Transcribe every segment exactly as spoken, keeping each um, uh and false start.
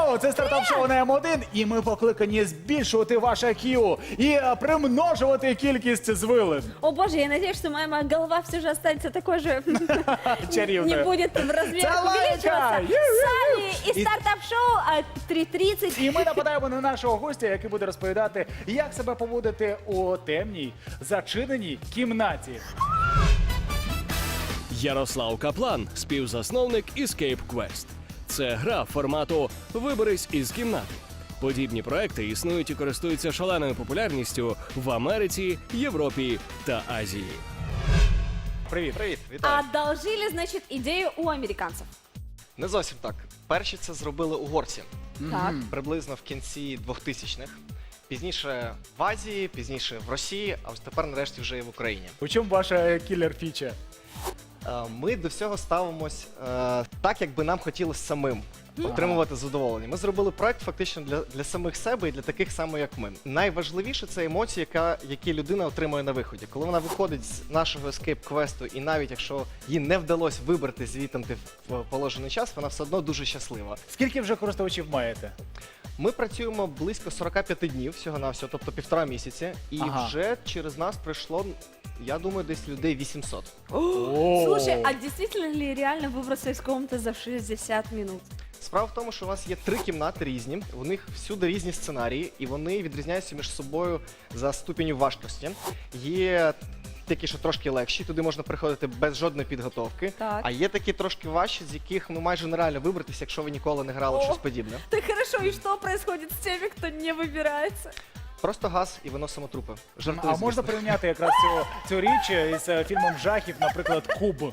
Йоу, це стартап-шоу на М один, і ми покликані збільшувати ваше к'ю і е, примножувати кількість звилин. О боже, я надеюсь, что моя голова все же останется такой же, Чарівною. не будет в размерах Це лайка! увеличиваться. Ю-ю-ю! Сами и І- стартап-шоу а, три тридцать. І ми нападаємо на нашого гостя, який буде розповідати, як себе поводити у темній, зачиненій кімнаті. Ярослав Каплан, співзасновник Escape Quest. Це гра формату «Виберись із кімнати». Подібні проекти існують і користуються шаленою популярністю в Америці, Європі та Азії. Привіт. Привіт, вітаю. Одолжили, значит, идею у американцев. Не зовсім так. Перші це зробили угорці Так. приблизно в кінці двохтисячних. Пізніше в Азії, пізніше в Росії, а ось тепер нарешті вже і в Україні. У чому ваша кілер-фіча? Е, Ми до всього ставимось е, так, як би нам хотілося самим отримувати задоволення. Ми зробили проект фактично для, для самих себе і для таких само, як ми. Найважливіше це емоції, яка, які людина отримує на виході. Коли вона виходить з нашого ескейп-квесту, і навіть якщо їй не вдалося вибрати звідти в положений час, вона все одно дуже щаслива. Скільки вже користувачів маєте? Ми працюємо близько сорок п'ять днів всього-навсього, тобто півтора місяці, і Ага. вже через нас прийшло, я думаю, десь людей вісімсот. О! Слушай, а действительно ли реально выбраться из комнаты за шестьдесят минут? Справа в тому, що у нас є три кімнати різні, у них всюди різні сценарії, і вони відрізняються між собою за ступеню важкості. Є такі, що трошки легші, туди можна приходити без жодної підготовки, Так. а є такі трошки важчі, з яких ну, майже нереально вибратися, якщо ви ніколи не грали в О! щось подібне. Так хорошо, и что происходит с теми, кто не выбирается? Просто газ і виносимо трупи. Жартую, А звісно. можна порівняти якраз цю, цю річ із е, фільмом жахів, наприклад, Куб.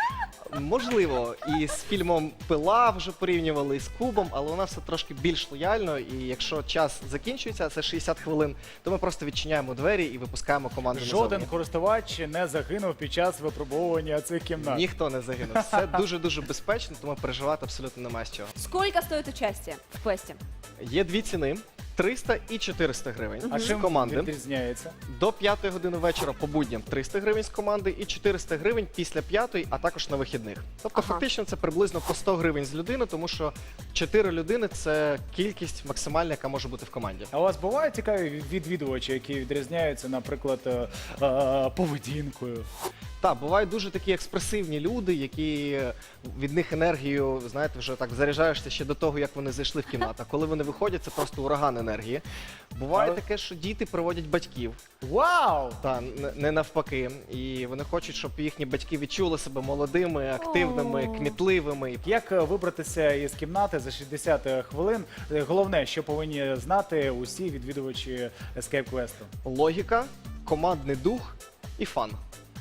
Можливо, і з фільмом Пила вже порівнювали, і з Кубом, але у нас все трошки більш лояльно, і якщо час закінчується, це шістдесят хвилин, то ми просто відчиняємо двері і випускаємо команду Жоден назовні. користувач не загинув під час випробовування цих кімнат. Ніхто не загинув. Все дуже-дуже безпечно, тому переживати абсолютно немає з чого. Сколько стоит участие в квесте? Є дві ціни. триста і чотириста гривень А з чим команди. відрізняється? До п'ятої години вечора по будням триста гривень з команди і чотириста гривень після п'ятої, а також на вихідних. Тобто Ага. фактично це приблизно по сто гривень з людини, тому що чотири людини – це кількість максимальна, яка може бути в команді. А у вас бувають цікаві відвідувачі, які відрізняються, наприклад, е, е, поведінкою? Так, бувають дуже такі експресивні люди, які від них енергію, знаєте, вже так заряджаєшся ще до того, як вони зайшли в кімнату. А коли вони виходять, це просто ураган енергії. Буває Але- таке, що діти приводять батьків, Вау! та не- не навпаки. І вони хочуть, щоб їхні батьки відчули себе молодими, активними, О. кмітливими. Як е, вибратися із кімнати за шістдесят хвилин? Е, Головне, що повинні знати усі відвідувачі Escape Quest. Логіка, командний дух і фан.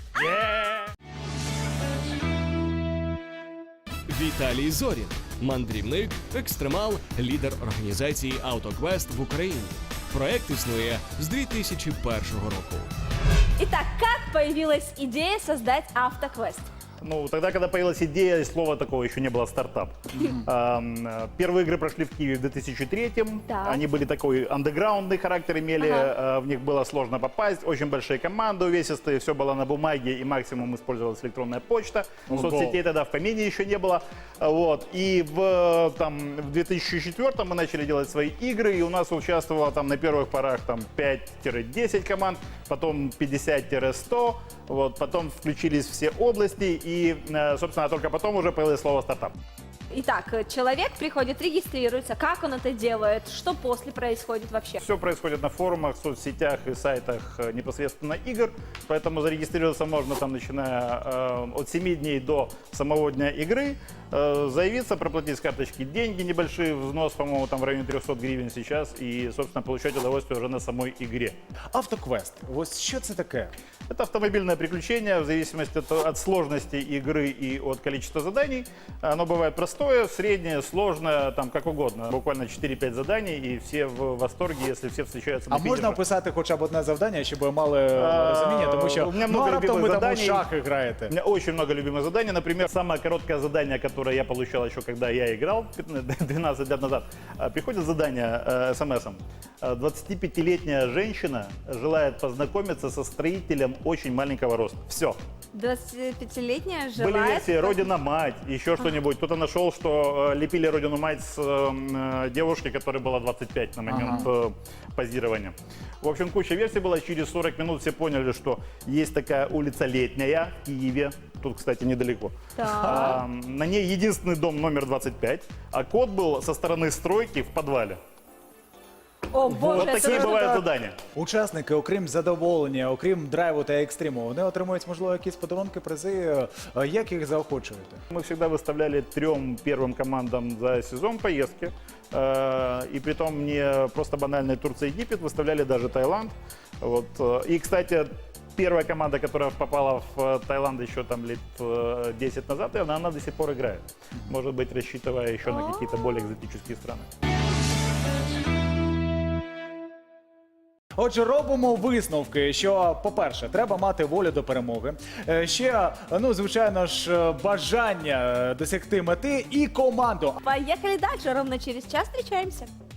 Віталій Зорін – мандрівник, екстремал, лідер організації «Автоквест» в Україні. Проект існує з дві тисячі першого року. Итак, как появилась идея создать автоквест? Ну, тогда, когда появилась идея, слова такого еще не было, стартап. Ам, э, Первые игры прошли в Киеве в две тысячи третьем. Так. Они были такой андеграундный характер имели, Ага. э, в них было сложно попасть, очень большие команды увесистые, все было на бумаге, и максимум использовалась электронная почта. Ого. Соцсетей тогда в помине еще не было. А, Вот. И в, э, там, в две тысячи четвёртом мы начали делать свои игры, и у нас участвовало там на первых порах там пять-десять команд, потом пятьдесят-сто, вот, потом включились все области, и, э, собственно, только потом уже появилось слово «стартап». Итак, человек приходит, регистрируется, как он это делает, что после происходит вообще? Все происходит на форумах, соцсетях и сайтах э, непосредственно игр, поэтому зарегистрироваться можно там, начиная э, от семи дней до самого дня игры, э, заявиться, проплатить с карточки деньги, небольшой взнос, по-моему, там в районе трехсот гривен сейчас, и, собственно, получать удовольствие уже на самой игре. Автоквест. Ось що це таке? Это автомобильное приключение, в зависимости от, от сложности игры и от количества заданий. Оно бывает простое, среднее, сложное, там как угодно. Буквально четыре-пять заданий, и все в восторге, если все встречаются на А можна финише. описати хоча б одне завдання, щоб ви мали е, А, розуміння, тому що у мене ну, много а раптом любимих ви там у заданий. шахи У граєте. меня очень много любимых заданий. Например, самое короткое задание, которое я получал еще, когда я играл двенадцать лет назад. А, Приходит задание э, смс-ом. А, двадцатипятилетняя женщина желает познакомиться со строителем очень маленького роста. Все. двадцатипятилетняя Были желает... версии «Родина-мать», еще что-нибудь. Кто-то нашел, что э, лепили «Родину-мать» с э, девушки, которой было двадцать пять на момент э, позирования. В общем, куча версий была. Через сорок минут все поняли, что есть такая улица Летняя в Киеве. Тут, кстати, недалеко. Так. А, на ней единственный дом номер двадцать пять, а код был со стороны стройки в подвале. О, боже, Вот это такие же- бывают задания. Учасники, окрім задоволення, окрім драйву та екстриму, вони отримують, можливо, якісь подарунки, призи. Е, Як їх заохочуєте? Мы всегда выставляли трем первым командам за сезон поездки. Э, И при том не просто банальный Турция, Египет, выставляли даже Таиланд. Вот. э, И, кстати, первая команда, которая попала в э, Таиланд еще там лет э, десять назад, и она, она до сих пор играет. Может быть, рассчитывая еще на какие-то более экзотические страны. Отже, робимо висновки, що, по-перше, треба мати волю до перемоги. Е, Ще, ну, звичайно ж, е, бажання досягти мети і команду. Поехали дальше, ровно через час встречаемся.